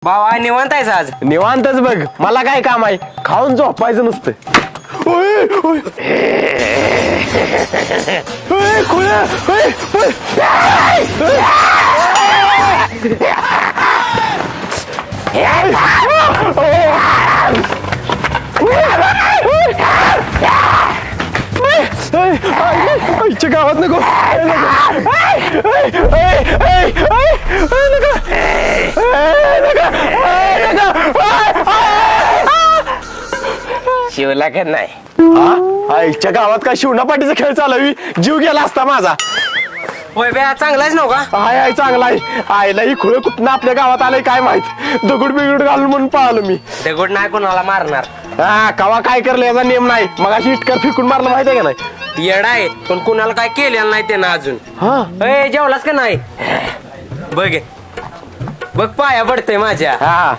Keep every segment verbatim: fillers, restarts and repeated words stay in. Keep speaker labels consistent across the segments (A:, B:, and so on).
A: बाबा निवांत आहेस आज?
B: निवांतच बघ, मला काय काम आहे, खाऊन झोपायचं नुसतं. ओय, ओय. ओय, खुळ्या, ओय, ओय. ओय. आईच्या गावात नको.
A: शिवला का नाही?
B: आईच्या गावात काय शिवणा पाटीचा खेळ चालवी, जीव गेला असता माझा.
A: होय बे, चांगलाच नव्हता.
B: हाय हाय चांगला आहे. आईला ही खुळ कुठनं आपल्या गावात आलंय काय माहित. दगड बिगड घालून म्हणून पळालो मी.
A: दगड नाही कोणाला मारणार.
B: हा कवा काय करलं याचा नियम नाही. मग अशी इटकर फेकून मारलं माहिती आहे का नाही?
A: येडा आहे, पण कुणाला काय केलेलं नाही त्यानं अजून.
B: हा
A: ए जेवलास का नाही? बघ बघ पाया पडतंय माझ्या.
B: हा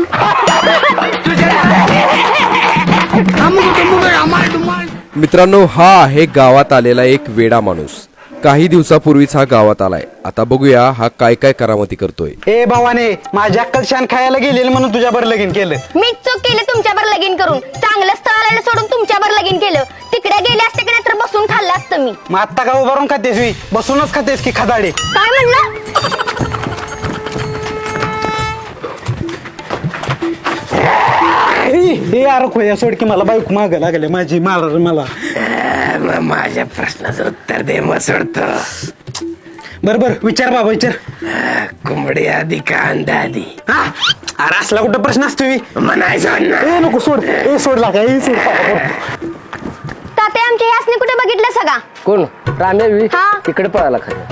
C: मित्रांनो, हा आहे गावात आलेला एक वेडा माणूस. काही दिवसापूर्वीच हा गावात आलाय. आता बघूया हा काय काय करामती करतोय.
D: ए भावाने, माझ्या अक्कल शान खायला गेलेलं म्हणून तुझ्यावर लगीन केलं.
E: मीच चूक केली तुमच्यावर लगीन करून. चांगलं स्थळ आलेलं सोडून तुमच्यावर लगीन केलं. तिकडे गेले असते की तर बसून खाल्लं असतं मी.
D: मग आत्ता का उभारून खातेस मी? बसूनच खातेस की खदाडे?
E: काय म्हणलं?
D: हे यार खोया सोड की मला बायको माग लागले माझी मार मला.
A: माझ्या प्रश्नाचं उत्तर दे मग सोडतो.
D: बर बर विचार बाबा विचार.
A: कोंबडी आधी का अंडा आधी?
D: हा अरे असला कुठं प्रश्न असतो मी
A: म्हणायचं ना.
D: ए नको सोड. ए सोडला का? ए सोड.
E: ताते आमच्या यासने कुठे बघितलं सगळा?
A: कोण? रामेवी
E: हा.
A: तिकडे पळाला खरं.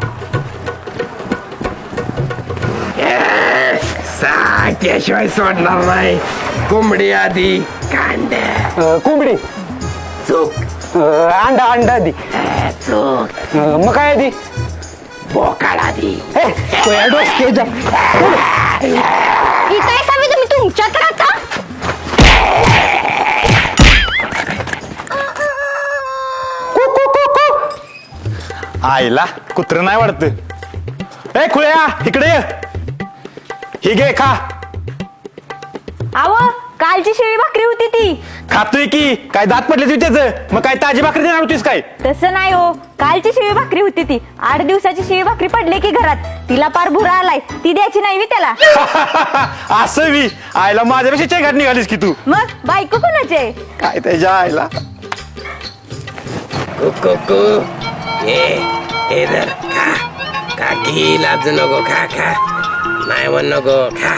A: त्याशिवाय सोडणार नाही. कोंबडी आधी कांदा.
D: कोंबडी
A: चूक.
D: अंडा अंडा आधी.
A: चूक.
D: मग काय आधी?
A: बोकाड आधी.
D: खोया डोसक्याच्या.
E: ही काय सावी तुम्ही तुमच्यात राहता?
B: आईला कुत्र नाही वाटत. ए खुळ्या इकडे ये. ही घे खा.
E: आव कालची शिळी भाकरी होती ती.
B: खातोय की काय दात पडले तुझी त्याच. मग काय ताजी भाकरी देणार होतीस काय?
E: तसं नाही हो, कालची शिळी भाकरी होती ती. आठ दिवसाची शिळी भाकरी पडली की घरात. तिला पार भुरा आलाय. ती द्यायची नाही मी त्याला.
B: असं मी आईला माझ्यापेक्षा चेघाट निघालीस की तू.
E: मग बायको कोणाचे?
B: काय त्याच्या आईला.
A: कुकू ए ए धर खा. काकी लाज नको. खा खा. नाही म्हण नको. खा.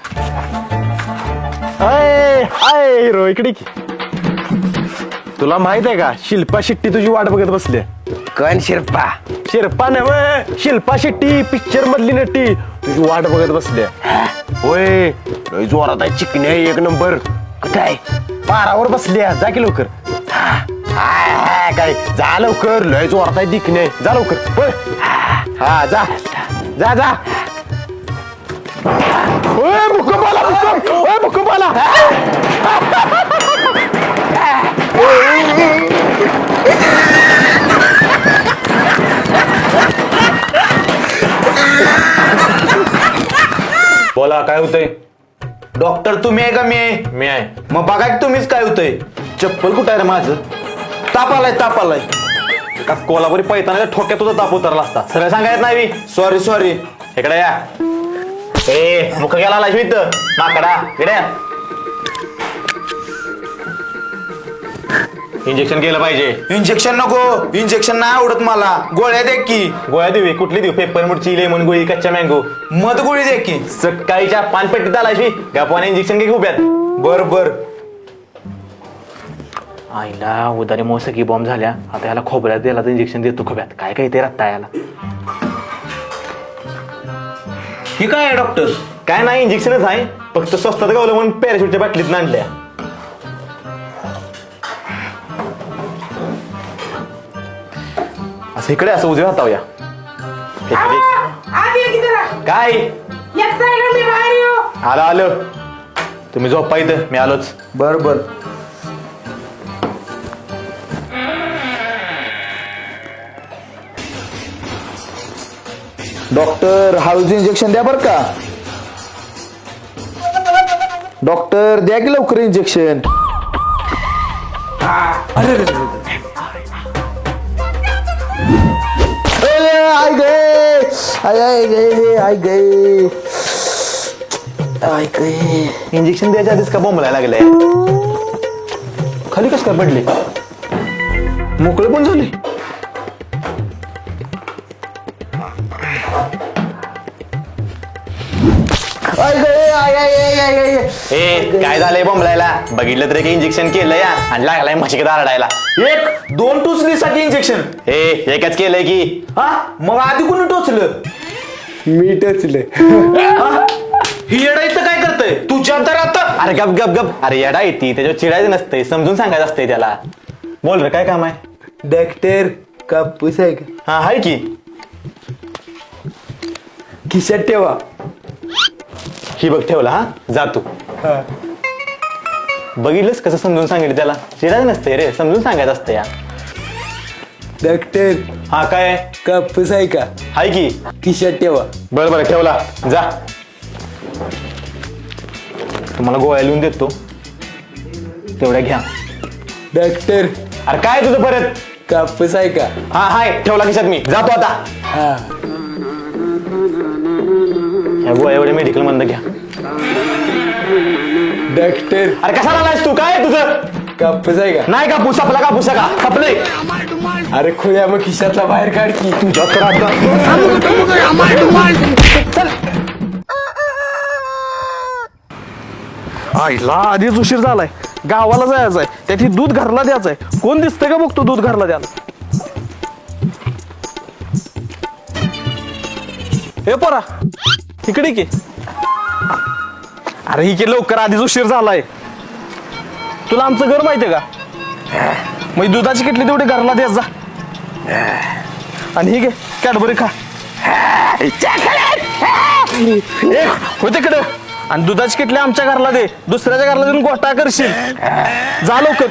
B: अय अय हिरो इकडे की. तुला माहित आहे का शिल्पा शेट्टी तुझी वाट बघत बसली.
A: कोण शिरपा?
B: शिल्पा नव शिल्पा शेट्टी पिक्चर मधली नटी तुझी वाट बघत बसली. होय लय जोरात आहे. चिकणी आहे एक नंबर.
A: कुठं आहे?
B: पारावर बसली. जा की लवकर. हाय, हाय, काय जा लवकर. लय जोरात आहे दिखणे आहे. जा लवकर होय. हा जा जा जा. ओय भूकंप आला. भूकंप. ओय भूकंप आला.
F: बोला काय होतंय? डॉक्टर तुम्ही आहे का मी आहे?
B: मी आहे.
F: मग बघा की तुम्हीच काय होतंय. चप्पल कुठं आहे रे माझं? ताप आलाय ताप आलाय.
B: का कोल्हापुरी पैताना ठोक्यात तुझा ताप उतरला असता. सगळं सांगायचं नाही मी.
F: Sorry sorry.
B: इकडे या. ए मुख गेला लाजवीत माकडा. इकडे या. इंजेक्शन केलं पाहिजे.
F: इंजेक्शन नको. इंजेक्शन नाही आवडत मला. गोळ्या दे की.
B: गोळ्या देऊ. कुठली देऊ? पेपर मुडची लेमन गोळी कच्च्या मँगो.
F: मध गोळी दे की.
B: सकाळीच्या पानपेटीत आलायशी गपाने इंजेक्शन घे उभ्यात.
F: बर बर.
G: आईला उदारी मग सगळी बॉम्ब झाल्या. आता याला खोबऱ्यात दिला तर इंजेक्शन देतो खोब्यात. काय काय ते रत्ता याला.
F: ही काय आहे डॉक्टर?
B: काय नाही इंजेक्शनच आहे. फक्त स्वस्तात गावलं म्हणून पॅराशूटच्या बाटलीत आणल्या. असं इकडे असं उजव्या हातावया. काय आलं आलं. तुम्ही झोपा इथं. मी आलोच.
F: बर बर. डॉक्टर हळूचं इंजेक्शन द्या बरं का. डॉक्टर द्या की लवकर इंजेक्शन. आय गे आय आय गे आय गे आय गे.
G: इंजेक्शन द्यायच्या आधीच का बोंबलायला लागलंय?
F: खाली कस काय पडले? मोकळे पण झाले. आय गे आय आय आय आय आय.
G: ए काय झालंय बोंबलायला? बघितलं तरी काही इंजेक्शन केलं या आणि लागलाय म्हशीकडे आरडायला.
F: एक दोन टोचणीसाठी इंजेक्शन.
G: ए एकच केलंय की.
F: हा मग आधी कोणी टोचलं?
B: मी टचले.
F: ही येडा इथं काय करतय? तुझ्या तर आता
G: अरे गप गप गप. अरे येडा येते त्याच्यावर चिडायचं नसतंय, समजून सांगायचं असतंय त्याला. बोल रे काय काम आहे?
B: डॉक्टर कापूस आहे का?
G: हा हाय की.
B: खिशात ठेवा.
G: ही बघ ठेवला. हा जा तू. बघितलंस कसं समजून सांगितलं त्याला? चिडायचं नसतंय रे, समजून सांगायचं असतं या.
B: डॉक्टर
G: हा काय
B: कापूस आहे का?
G: हाय की.
B: खिशात ठेवा.
G: बरं बरं ठेवला. जा. तुम्हाला गोळ्या लिहून देतो, तेवढ्या घ्या.
B: डॉक्टर
G: अरे काय तुझं परत?
B: कापूस आहे का?
G: हा हाय ठेवला खिशात. मी जातो आता.
B: हा.
G: ह्या गोळ्या एवढ्या मेडिकल मधनं घ्या.
B: डॉक्टर
G: अरे कसा आलायस तू? काय आहे तुझं?
B: कापूस आहे का?
G: नाही का पुसा आपला का पुसा का खपले?
B: अरे खुल्या मग खिशातला बाहेर काढ की.
G: तुझ्या तर आता
F: आईला आधीच उशीर झालाय. गावाला जायचंय, त्याची दूध घरला द्यायचंय. कोण दिसतंय का बघतो दूध घरला द्यायला. हे पोरा इकडे की. अरे ही की लवकर, आधीच उशीर झालाय. तुला आमचं घर माहितीये का? मग दुधाची किटली तेवढी घरला द्यायच जा. आणि ही घे कॅडबरी खा. ए, हो तिकडे. आणि दुधाची किटली आमच्या घरला दे, दुसऱ्याच्या घरला देऊन गोटा करशील. जा लवकर.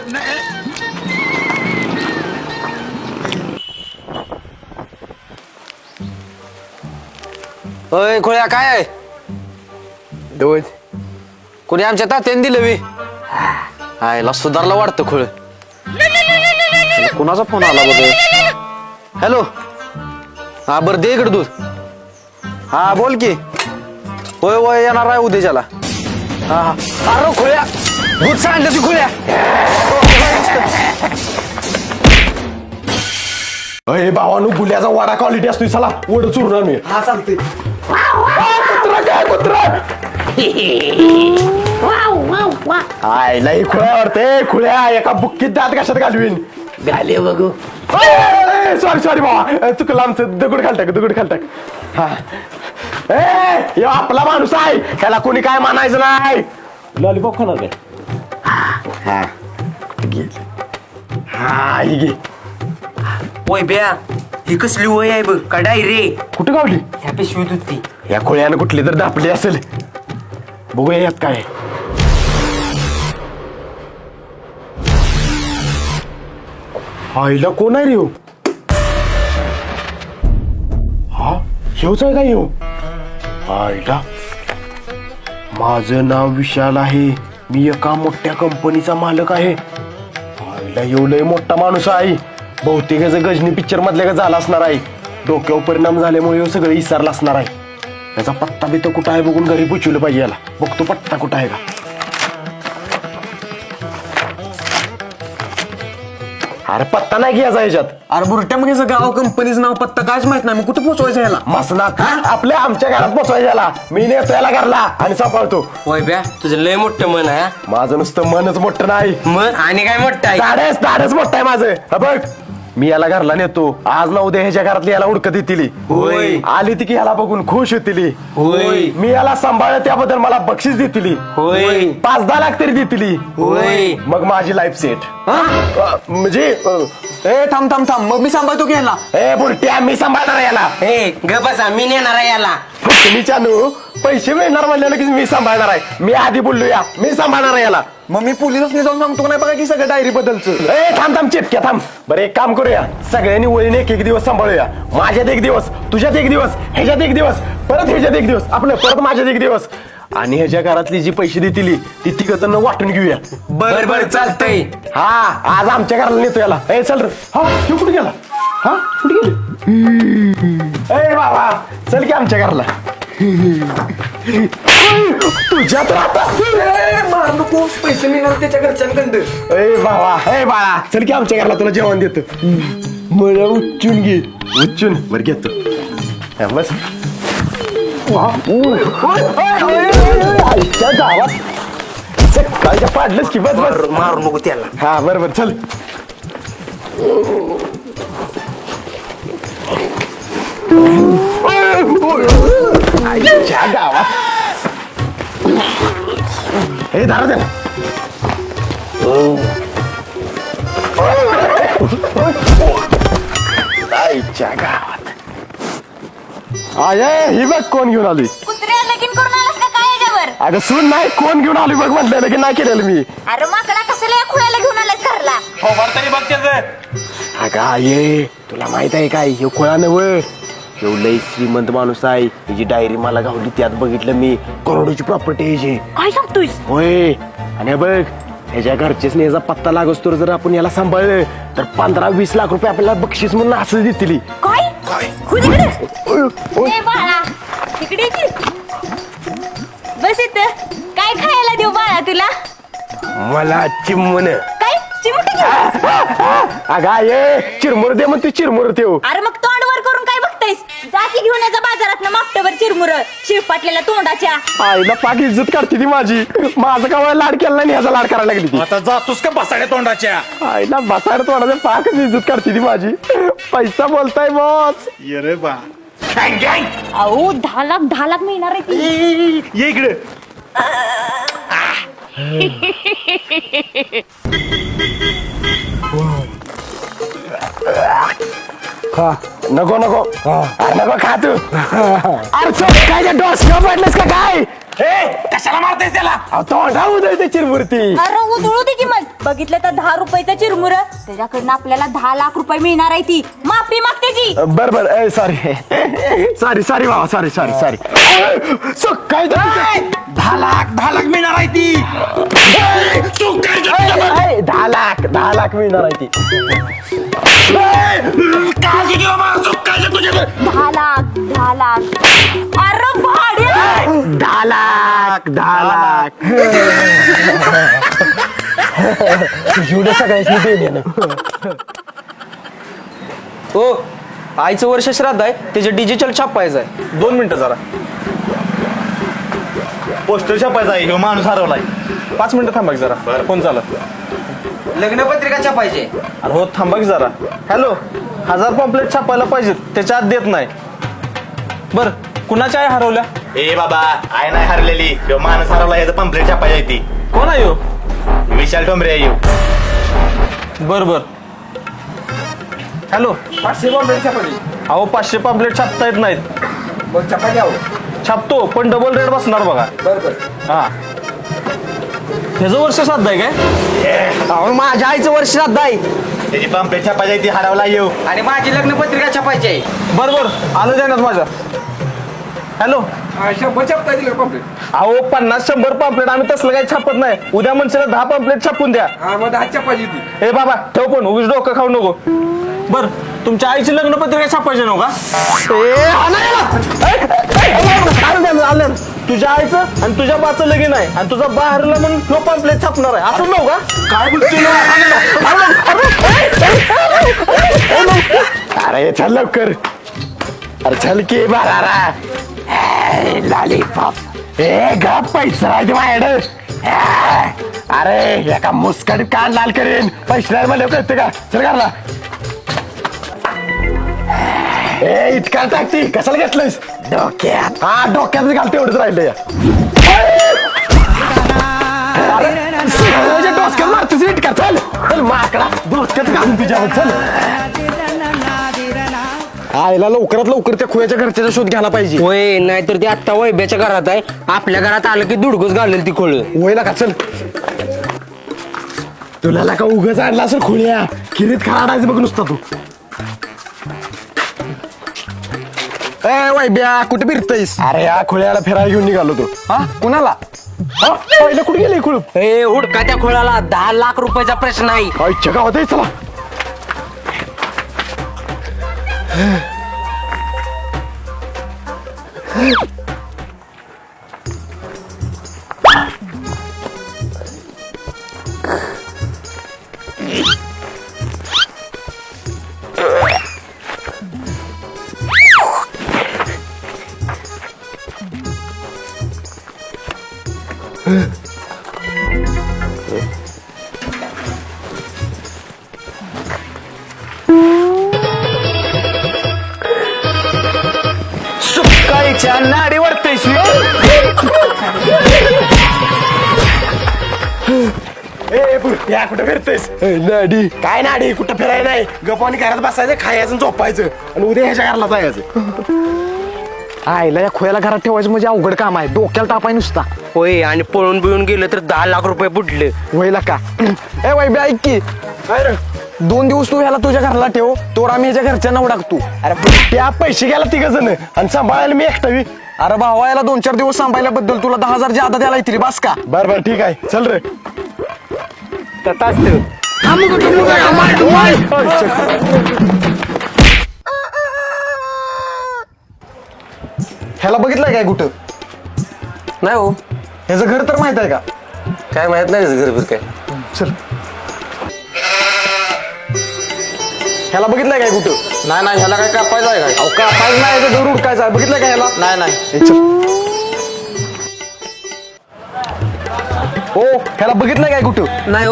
H: अय खोळ्या काय आहे?
B: दोन.
H: कोणी आमच्या तात्याने दिलं बी? आयला सुधारला वाटतं खोळ.
F: कुणाचा फोन आला बघ?
H: हॅलो. हा बरं दे इकडे दूध.
F: हा बोल की.
H: होय होय येणार आहे उद्याच्याला.
F: हा हा. अरे खोळ्या
H: दूध सांडलं ती खोळ्या.
B: अरे भावानू गुल्याचा वाडा क्वालिटी असतो. चला वड चुरणार मी.
H: हा चालते.
B: कुत्रा काय कुत्रा? आईला ही खुळ्या वाटते. खुळ्या एका बुक्कीत दात कशात घालवीन.
A: घाले बघू.
B: सॉरी सॉरी भावा, चुकलं आमचं. दगड घालताक दगड घालताक. हा ए ह्यो आपला माणूस आहे, त्याला कोणी काय मानायचं नाही. लॉलीपॉप खाणार काय? हा घे. हा ही घे.
A: ओय ब्या, ही कसली वय आहे बघ. कडाई रे.
B: कुठे गावली?
A: ह्या पिशवीत होती.
B: या खोळ्यानं कुठली तर दापली असेल. बघूया यात काय. आईला कोण आहे रे ह्यो? हा ह्योच आहे का ह्यो? आईला माझं नाव विशाल आहे, मी एका मोठ्या कंपनीचा मालक आहे. आईला ह्यो लय मोठा माणूस आहे. बहुतेक याचं गजनी पिक्चर मधल्या का झाला असणार आहे. डोक्यावर परिणाम झाल्यामुळे ह्यो सगळं विसरला असणार आहे. याचा पत्ता बित्ता कुठं आहे बघून घरी पोचवलं पाहिजे याला. बघतो पत्ता कुठं आहे का. अरे पत्ता नाही घ्यायचा ह्याच्यात.
H: अरे बुरट्या मग याचं गाव कंपनीचं नाव पत्ता कायच माहित नाही. मग कुठं पोचवायचं याला?
B: मसनात आपल्या आमच्या घरात पोचवायचं याला. मी नेतो याला घरला आणि सांभाळतो.
A: ओय ब्या, तुझं लय मोठं मन आहे.
B: माझं नुसतं मनच मोठं नाही,
A: मन आणि काय मोठं आहे?
B: धाडच धाडच मोठं आहे माझं. हा बघ मी याला घरला नेतो. आज ना उद्या ह्याच्या घरातली याला उडकत येतील.
A: होय.
B: आली ती की ह्याला बघून खुश होतील.
A: होय.
B: मी याला सांभाळलं त्याबद्दल मला बक्षीस देतील.
A: होय.
B: पाच दहा लाख तरी देतील.
A: होय.
B: मग माझी लाईफ सेट. म्हणजे अ,
H: ए थांब थांब थांब. मग मी सांभाळतो की ह्याला.
B: ए बुरट्या मी सांभाळणार याला.
A: ए ग बसा, मी नेणार आहे याला.
B: तुम्ही चानू पैसे मिळणार म्हणलं की मी सांभाळणार आहे. मी आधी बोललो या मी सांभाळणार आहे याला.
H: मग मी पोलिसांनी जाऊन सांगतो नाही बघा की सगळं डायरी बदलचं.
B: ए थांब थांब चिपक्या थांब. बरं एक काम करूया, सगळ्यांनी वळीने एक एक दिवस सांभाळूया. माझ्यात एक दिवस, तुझ्यात एक दिवस, ह्याच्यात एक दिवस, परत ह्याच्यात एक दिवस, आपलं परत माझ्यात एक दिवस. आणि ह्याच्या घरातली जी पैसे देतील ती तिघ जण वाटून घेऊया.
A: बर बर चालतंय.
B: हा आज आमच्या घराला नेतो याला. ए चल रे. हा तू कुठे गेला? हा कुठे गेली? ए बाबा चल की आमच्या घराला. तुझ्या तर आता
A: मार नको, पैसे मिळणार त्याच्या घरच्यांकडं.
B: ए बाबा ए बाळा चल की आमच्या घराला तुला जेवण देतो. मला उच्चून घे. उच्चून बर घेतो. हा, बस. वा. ओय, ओय, ओय, ओय, ओय, आईच्या गावात सकाळच्या पाडलंच की. बस बस
A: मारू नको त्याला.
B: हा बरोबर चल. आईच्या गावात हे दारा द्या. आईच्या गावात आय ही बघ कोण घेऊन आली.
E: कुत्र्या लगीन करून आलास का काय याच्यावर?
B: अगं सून नाही कोण घेऊन आली बघ म्हटलं की नाही केलेलं मी.
E: अरे माकडा कशाला या खुळ्याला घेऊन आलास घरला?
B: अगं ये तुला माहित आहे काय हे खोळा नव लय श्रीमंत माणूस आहे. त्याची डायरी मला गावली त्यात बघितलं मी करोडोची प्रॉपर्टी आहे याची.
E: काय सांगतोयस?
B: होय आणि हे बघ ह्याच्या घरचेच याचा पत्ता लागस तर जर आपण याला सांभाळलं तर पंधरा वीस लाख रुपये आपल्याला बक्षीस म्हणून असं देतील.
E: काय खुद इकडे ए बाळा इकडे ये की. बस इथं. काय खायला देऊ बाळा तुला?
B: मला चिमण
E: काय चिमटे घेऊ?
B: अगा ये चिरमुर दे मग तू चिरमुर देऊ.
E: अरे मग तोंड वर करून काय बघतायस? जाती घेऊन याचा बाजारात ना मागटवर चिरमुर शिरपाटलेल्या तोंडाच्या.
B: आईला पाक इज्जत काढते ती माझी. माझं का लाड केला नाही ह्याचा लाड करायला लागली ती.
F: आता जातोस का बसाड्या तोंडाच्या?
B: आईला बसायला तोंडाचं पाकच इज्जत काढते ती माझी. पैसा बोलताय बॉस.
F: ये रे बा.
E: अहो दहा लाख दहा लाख मिळणार आहे ती.
F: ये इकडे.
B: खा नको नको अरे नको खा तू. अरे चल काय डोस पडलंस का काय?
F: कशाला मारतेस त्याला?
B: अहो, तोंडा उदळते चिरमुरती.
E: अरे उधळू दे की मग. बघितलं तर दहा रुपयाचं चिरमुर त्याच्याकडनं आपल्याला दहा लाख रुपये मिळणार आहे ती. माफी माग त्याची.
B: बर बर ए सॉरी सॉरी सॉरी बाबा सॉरी सॉरी सॉरी. काय
F: दहा लाख दहा लाख मिळणार आहे ती.
B: दहा लाख दहा लाख मिळणार आहे ती.
E: दहा लाख दहा लाख. अरे भाड्या
B: दहा लाख दहा लाख एवढं सगळ्यांनी देणे.
H: हो आईचं वर्ष श्राद्ध आहे त्याचे डिजिटल छापायचं आहे.
F: दोन मिनिटं जरा. पोस्टर छापायचा आहे. ह्यो माणूस हरवलाय. पाच मिनिटं थांबा की जरा. फोन चालत.
H: लग्नपत्रिका छापायची.
F: अरे हो थांबा की जरा. हॅलो हजार पॉम्पलेट छापायला पाहिजेत त्याच्या आत देत नाही. बर कुणाच्या आई हरवल्या?
I: ए बाबा आय नाही हरलेली. ह्यो माणूस हरवला याचं पंपलेट छापायची ती.
F: कोण आहे ह्यो?
I: विशाल ठोंबरे आहे ह्यो.
F: बर बर. हॅलो पाचशे पॉम्पलेट छापायची. अहो पाचशे पॉम्पलेट छापता येत नाहीत. छापतो पण डबल रेट बसणार बघा. हा ह्याचं वर्ष श्राद्ध आहे काय?
H: अहो माझ्या आईचं वर्ष श्राद्ध आहे
I: त्याची पंपलेट छापायची ती हरवला येऊ.
H: आणि माझी लग्नपत्रिका छापायची आहे.
F: बर बर आलं देण्यात माझ्या. हॅलो अहो पन्नास शंभर पॉम्पलेट आम्ही तसलं काही छापत नाही. उद्या मनसेला दहा पॉम्पलेट छापून द्या. ए बाबा ठेव पण उगीच डोकं खाऊ नको. बर तुमच्या आईची लग्नपत्रिका छापायची नव्ह का? तुझ्या आईचं आणि तुझ्या बाचं लगीन आहे आणि तुझा बा हरला म्हणून नो पॉम्पलेट छापणार आहे असं नव्ह का? काय बोलतो?
B: अरे चल लवकर. अरे चल की बारा लॉलीपॉप. ए ग पैसा आहे माझ्याकडे. अरे एका मुस्कट कान लाल करेन. पैसे नाही मला कळते का? चल घरला. ए इतका टाकती कशाला घेतलंयस? डोक्यात. हा डोक्यात घालते एवढंच राहिलं या. डोसक्यात मारतोस इटका. चल चल माकडा डोसक्यात घालून तुझ्यावर. चल आईला लवकरात लवकर त्या खुयाच्या घरच्याचा शोध घ्यायला पाहिजे.
H: होय नाहीतर ते आत्ता वैब्याच्या घरात आहे. आपल्या घरात आलं की दुडगच घालेल ती खोळ.
B: वयला का चल. तुला का उगाच आणला असेल खोळ्या. किरीत खाडायचं बघ नुसता तू.
D: ए वैब्या कुठे फिरतयस?
B: अरे या खुळ्याला फिरायला घेऊन निघालो तो.
D: हा कुणाला?
B: हा पहिलं कुठे गेले खुळ
H: ए हुडका त्या खोळाला दहा लाख रुपयाचा प्रश्न आहे.
B: आईच्या गावात आहे, चला.
D: सुकाळीच्या नाडी वरतयस.
B: ए या कुठं फिरतेस? नाडी काय नाडी? कुठं फिरायला नाही, गप्पानी घरात बसायचं, खायचं आणि झोपायचं आणि उद्या ह्याच्या घराला जायचं.
D: आईला या खोयाला घरात ठेवायचं म्हणजे अवघड काम आहे, डोक्याला तापाय नुसता.
H: होय आणि पळून बिळून गेलं तर दहा लाख रुपये बुडले.
D: वयला का? ए वैब्या ऐक की,
B: काय रे?
D: दोन दिवस तू ह्याला तुझ्या घराला ठेव, तोर आम्ही ह्याच्या घरच्यांना उडाकतो.
B: अरे त्या पैसे गेला तिघ जण आणि सांभाळायला मी एकटावी.
D: अरे भावा याला दोन चार दिवस सांभाळल्याबद्दल तुला दहा हजार जादा द्यायला येतील बस का?
B: बर बर ठीक आहे, चल रे.
D: ह्याला बघितलंय काय कुठं?
H: नाही हो,
D: ह्याचं घर तर माहित आहे का?
H: काय माहित नाही घर फिर काय.
D: चल. ह्याला बघितलंय काय कुठं?
H: नाही नाही ह्याला काय कापायचं आहे काय?
D: अहो का पाहिजे नाही याचं घर उडकायचं आहे, बघितलंय का ह्याला?
H: नाही नाही.
D: हे चल. हो ह्याला बघितलंय काय कुठं?
H: नाही हो.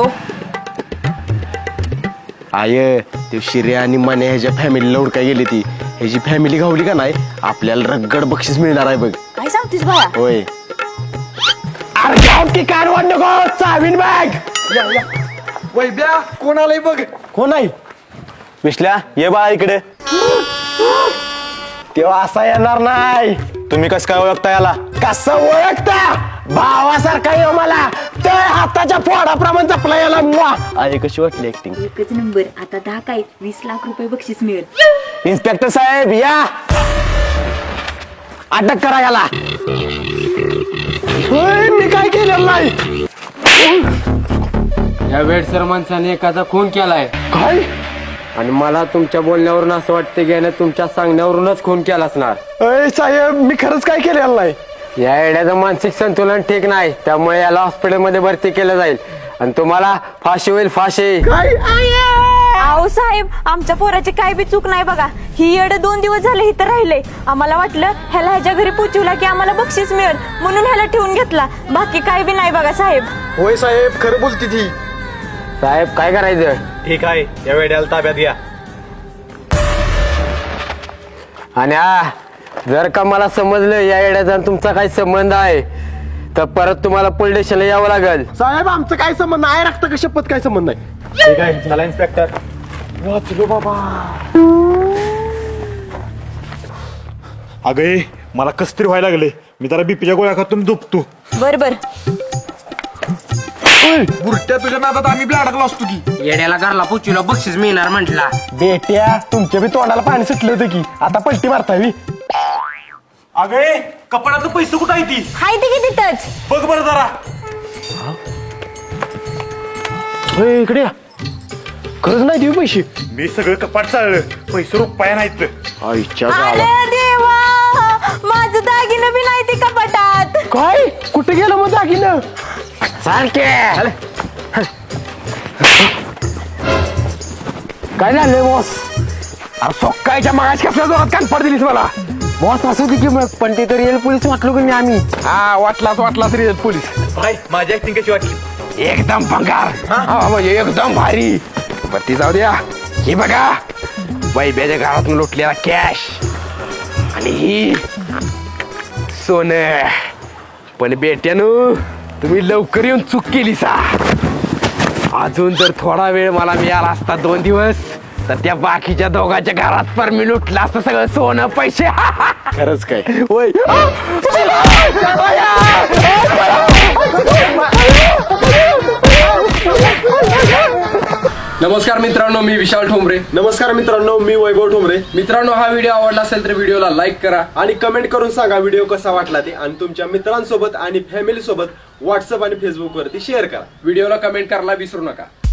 B: आय ते शिर्या आणि माने ह्याच्या फॅमिलीला उडकाय गेली ती. ह्याची फॅमिली गावली का नाही, आपल्याला रगड बक्षीस मिळणार आहे बघ.
E: काय सांगतेस बाळा?
B: होय. अरे जाऊ की कार वाढ नको, चावीन बॅग.
D: वैब्या कोण आलंय बघ.
B: कोण आहे?
F: विश्ल्या ये बाळा इकडे.
B: तेव्हा असा येणार नाही.
F: तुम्ही कसं काय ओळखता याला?
B: कसं ओळखता? भावासारखा येऊ मला, त्या हाताच्या फोडाप्रमाणे जपला याला. मुआ. अरे कशी वाटली ऍक्टिंग?
E: एकच नंबर. आता दहा काय वीस लाख रुपये बक्षीस मिळेल.
B: इन्स्पेक्टर साहेब या, अटक करा याला. होय, मी काय केलेलं नाही.
J: या वेडसर माणसाने एखादा खून केलाय
B: काय?
J: आणि मला तुमच्या बोलण्यावरून असं वाटतं की याने तुमच्या सांगण्यावरूनच खून केला असणार.
B: अय साहेब, मी खरंच काय केलेलं नाही.
J: या येड्याचं मानसिक संतुलन ठीक नाही, त्यामुळे याला हॉस्पिटलमध्ये भरती केलं जाईल आणि तुम्हाला फाशी होईल, फाशी.
B: काय?
E: अहो साहेब, आमच्या पोराची काय बी चूक नाही बघा. ही येड दोन दिवस झाले इथं राहिले. आम्हाला वाटलं ह्याला ह्याच्या घरी पोचवला की आम्हाला बक्षीस मिळेल म्हणून ह्याला ठेवून घेतला. बाकी काय बी नाही बघा साहेब.
D: होय साहेब, खरं बोलती ती.
J: साहेब काय करायचं?
F: ठीक आहे, या वेड्याला ताब्यात घ्या.
J: आणि हा जर का मला समजलं या येड्याचा आणि तुमचा काही संबंध आहे तर परत तुम्हाला पोलीस स्टेशनला यावं लागेल.
B: साहेब आमचं काय संबंध आहे? रक्त का शपथ काय संबंध नाही.
F: ठीक आहे, चला इन्स्पेक्टर.
B: वाचलो बाबा.
F: अगं मला कस तरी व्हायला लागले, मी जरा बीपीच्या गोळ्या खातून दुखतो.
E: बर बर.
D: बुरट्या तुझ्या नादात आम्ही बी अडकलो असतो की.
J: येड्याला घरला पुचीला बक्षीस मिळणार म्हटला.
B: बेट्या, तुमच्या बी तोंडाला पाणी सुटलं होतं की, आता पलटी मारतावी.
F: अगं कपड्यातलं पैसे कुठं आहे ती?
E: हाय ते किती टच.
F: बघ बरं जरा.
B: होय, इकडे या. खरंच नाही देऊ पैसे?
F: मी सगळं कपाट चाललं, पैसे रुपया नाहीत.
B: आईच्या
E: अरे
B: गावात.
E: देवा, माझं दागिनं बी नाही ते कपाटात.
B: काय? कुठे गेलं मग दागिनं? काय झालंय बॉस? अरे सोक्कायच्या मागाच कसल्या जोरात कान पड दिलीस मला.
J: बॉस असू दे की मग, पण ते तर रिअल पोलीस वाटलो की मी आम्ही.
B: हा वाटलाच वाटलाच रे पोलीस.
F: भाई माझी ऍक्टिंग कशी वाटली?
B: एकदम भंगार. हा म्हणजे एकदम भारी. पण ती जाऊ द्या. ही बघा, वैब्याच्या घरातून लुटलेला कॅश आणि ही सोनं. पण बेट्यानो, तुम्ही लवकर येऊन चूक केली सा. अजून जर थोडा वेळ मला मिळाला असता, दोन दिवस, तर त्या बाकीच्या दोघांच्या घरात पर मी लुटलं असतं सगळं सोनं पैसे. खरंच काय? होय.
C: नमस्कार मित्रांनो, मी विशाल ठोंबरे.
B: नमस्कार मित्रांनो, मी वैभव ठोंबरे.
C: मित्रांनो, हा व्हिडिओ आवडला असेल तर व्हिडिओला लाईक करा
B: आणि कमेंट करून सांगा व्हिडिओ कसा वाटला ते, आणि तुमच्या मित्रांसोबत आणि फॅमिली सोबत व्हॉट्सअप आणि फेसबुक वरती शेअर करा.
C: व्हिडिओला कमेंट करायला विसरू नका.